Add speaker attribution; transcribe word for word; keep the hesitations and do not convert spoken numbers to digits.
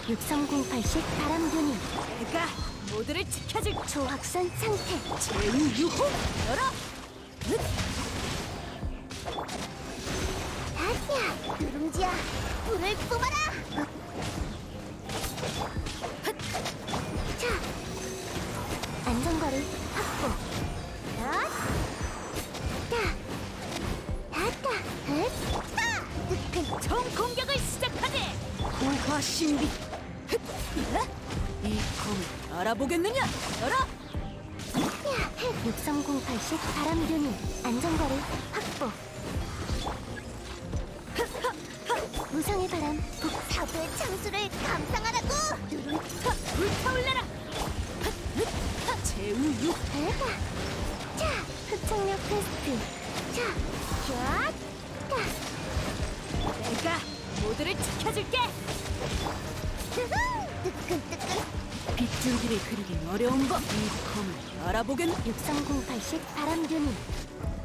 Speaker 1: 육삼공팔 식 바람균이
Speaker 2: 내가 모두를 지켜줄
Speaker 1: 초확산 상태.
Speaker 2: 제우유호 열어.
Speaker 1: 아니야, 누룽지야, 불을 뿜어라. 자, 안전거리 확보. 야, 다, 다다, 흑, 다, 뜨끈.
Speaker 2: 총 공격을 시작하지. 고화 신비. 이 검을 알아보겠느냐? 열어.
Speaker 1: 야, 육삼공팔 식 바람균이 안전거리 확보. 무성의 바람, 북사부의 창수를 감상하라고. 누룽,
Speaker 2: 불타올라라. 제우유.
Speaker 1: 대박. 자, 흡착력 테스트. 자, 쫙, 딱.
Speaker 2: 내가 모두를 지켜줄게.
Speaker 1: 뜨끈뜨끈.
Speaker 2: 빗줄기를 그리긴 어려운 법. 이 검을 알아보겠.
Speaker 1: 육삼공팔 식 바람균이